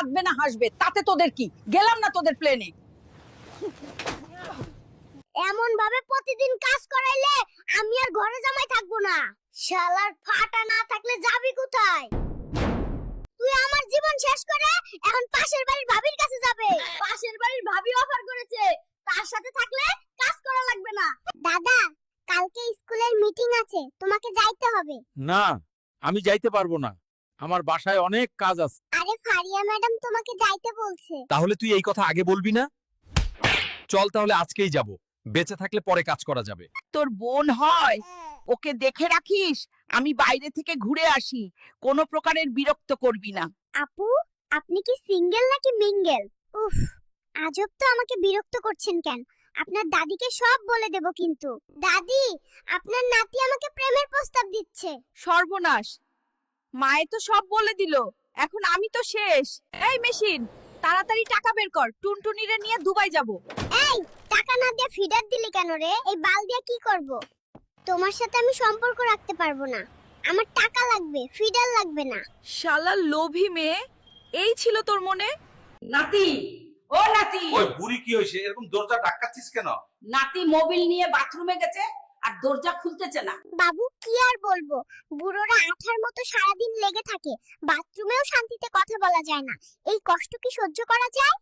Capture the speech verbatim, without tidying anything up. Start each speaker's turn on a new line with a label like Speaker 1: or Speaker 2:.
Speaker 1: কাঁদবে না হাসবে তাতে তোদের কি? গেলাম না তোদের প্লেনে।
Speaker 2: এমন ভাবে প্রতিদিন কাজ করাইলে আমি আর ঘরে জামাই থাকবো না। শালার ফাটা না থাকলে যাবি কোথায়? তুই আমার জীবন শেষ করে এখন পাশের বাড়ির ভাবির কাছে যাবে। পাশের বাড়ির ভাবি অফার করেছে, তার সাথে থাকলে কাজ করা লাগবে না। দাদা, কালকে স্কুলের মিটিং আছে, তোমাকে যাইতে হবে।
Speaker 3: না, আমি যাইতে পারবো না, আমার বাসায় অনেক কাজ আছে।
Speaker 2: আরে ফারিয়া ম্যাডাম তোমাকে যাইতে বলছে।
Speaker 3: তাহলে তুই এই কথা আগে বলবি না? চল তাহলে আজকেই যাব, বেঁচে থাকলে পরে কাজ করা যাবে।
Speaker 1: তোর বোন হয়, ওকে দেখে রাখিস। আমি বাইরে থেকে ঘুরে আসি, কোনো প্রকারের বিরক্ত করবি না।
Speaker 2: আপু, আপনি কি সিঙ্গেল নাকি মিঙ্গেল? উফ, আজব তো, আমাকে বিরক্ত করছেন কেন? আপনার দাদিকে সব বলে দেব কিন্তু। দাদি, আপনার নাতি আমাকে প্রেমের প্রস্তাব দিচ্ছে।
Speaker 1: সর্বনাশ, মায়ে তো সব বলে দিল, এখন আমি তো শেষ। এই মেশিন, তাড়াতাড়ি টাকা বের কর, টুনটুনিরে নিয়ে দুবাই যাব।
Speaker 2: এই, টাকা না দিয়ে ফিডার দিলি কেন রে? এই বাল দিয়ে কি করব? তোমার সাথে আমি সম্পর্ক রাখতে পারবো না। আমার টাকা লাগবে, ফিডার লাগবে না।
Speaker 1: শালা লোভী মেয়ে, এই ছিল তোর মনে? নাতি, ও নাতি।
Speaker 4: ওই বুড়ি কি হইছে, এরকম দরজা ধাক্কাচ্ছিস কেন?
Speaker 1: নাতি মোবিল নিয়ে বাথরুমে গেছে আর দরজা খুলতেছে না।
Speaker 2: বাবু, কি আর বলবো, বুড়োরা আঠার মতো সারাদিন লেগে থাকে, বাথরুমেও শান্তিতে কথা বলা যায় না। এই কষ্ট কি সহ্য করা যায়?